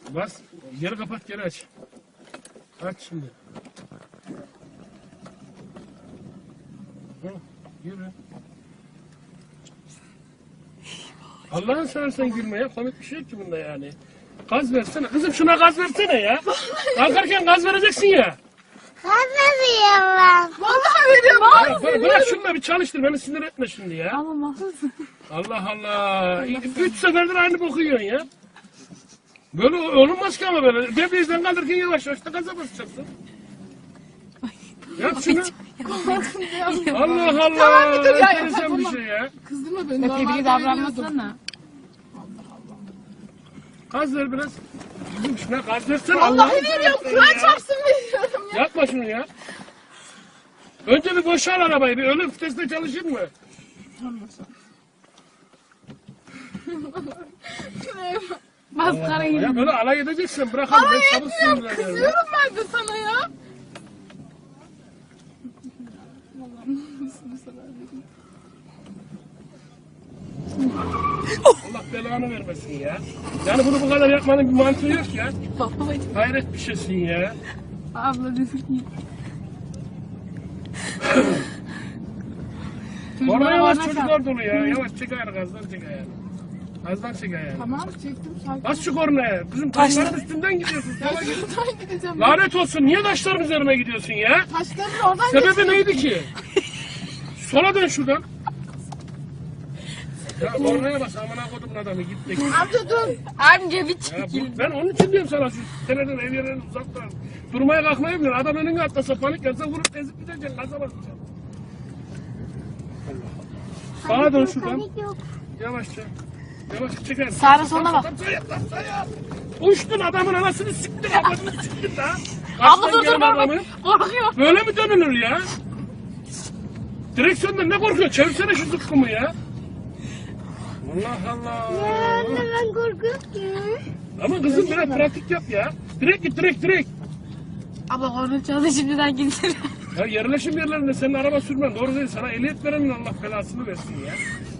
Bas. Geri kapat, geri aç. Aç şimdi. Hı, yürü. Allah'ın seversen gülme ya. Komik bir şey yok ki bunda yani. Gaz versene. Kızım şuna gaz versene ya. Kalkarken gaz vereceksin ya. Ben veriyorum ben. Vallahi veriyorum. Bırak şunu da bir çalıştır. Beni sinir etme şimdi ya. Ama mahvolsun. Allah Allah. 3 seferdir aynı boku yiyorsun ya. Böyle olmaz ki ama böyle. Debriyajdan kaldırırken yavaş yavaş da gaza basacaksın. Yap şunu. Allah Allah. Tamam, bir dur ya, Enteresan yapma. bir şey ya. Kızdırma beni. Tebrik davranmasana. Gaz ver biraz. Kızım şuna gaz versene. Vallahi Allah'ını veriyorum. seversen Kur'an ya. çarpsın veriyorum ya. Yapma şunu ya. Önce bir boşal arabayı. Bir ölüm vitesinde çalışır mı? Maskara gibi. Ya böyle alay edeceksin. Bırakalım. Ben çabuk sinirleniyorum. Kızıyorum ben de sana ya. Allah belanı vermesin ya. Yani bunu bu kadar yapmanın bir mantığı yok ya. Babacım. Hayret bir şeysin ya. Abla düzgün. Orada yavaş bana çocuklar dolu ya. Yavaş çek ayağını, gazdan çek ayağını. Gazdan çek ayağını. Tamam çektim sakin. Bas şu kornaya. Kızım taşların üstünden gidiyorsun. Ya Sola git. şuradan gideceğim. Lanet olsun. Niye taşların üzerine gidiyorsun ya? Taşların oradan Sebebi neydi ki? Sola dön şuradan. Ya kornaya bas. Amına kodumun adamı. Git de git. Amca dur. Amca bir Ya çekil. ben onun için diyorum sana şu seneden ev yerlerine uzak dur. Durmaya kalkmayı bilir. Adam önüne atlasa panik yapsa vurup ezip gideceksin. Gaza basacaksın. Sağa dön şuradan. Panik yok. Yavaşça. Yavaşça çeker. Sağına soluna bak. Uçtun adamın anasını siktin. Adamını siktin da. Abla Kaçtan dur gelen dur adamı. korkuyor. Böyle mi dönülür ya? Direksiyondan ne korkuyorsun? Çevirsene şu zıkkımı ya. Allah Allah. Ya anne ben korkuyorum ki. Ama kızım biraz pratik yap ya. Direkt git direkt. Abla korna çaldı şimdiden gitsin. Ya yerleşim yerlerinde senin araba sürmen doğru değil. Sana ehliyet verenin Allah belasını versin ya.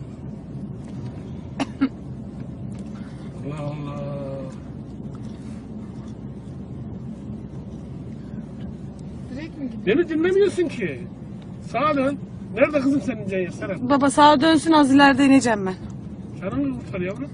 Allah Allah. Direkt mi gidiyorsun? Beni dinlemiyorsun ki. Sağa dön. Nerede kızım senin Ceyhan Serap? Baba sağa dönsün az ileride ineceğim ben. Canını kurtar yavrum.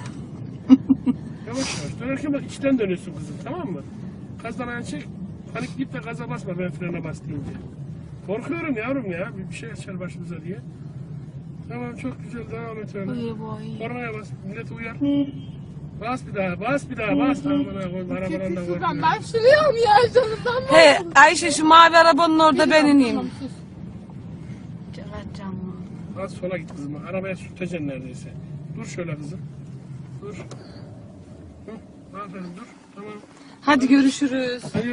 Yavaş yavaş. Dönerken bak içten dönüyorsun kızım, tamam mı? Gazdan ayağını çek. Panikleyip de gaza basma ben frene bas deyince. Korkuyorum yavrum ya. Bir şey açar başımıza diye. Tamam çok güzel devam et öyle. Kornaya bas. Milleti uyar. Bas bir daha. Bas. Amına koy. Arabadan da Şuradan korkma. ben şuraya ya canımdan mı? He Ayşe şu mavi arabanın orada ben ineyim. Tamam, sus. Az sola git kızım. Arabaya sürteceksin neredeyse. Dur şöyle kızım. Dur. Hı, aferin dur. Tamam. Hadi görüşürüz. Hayır.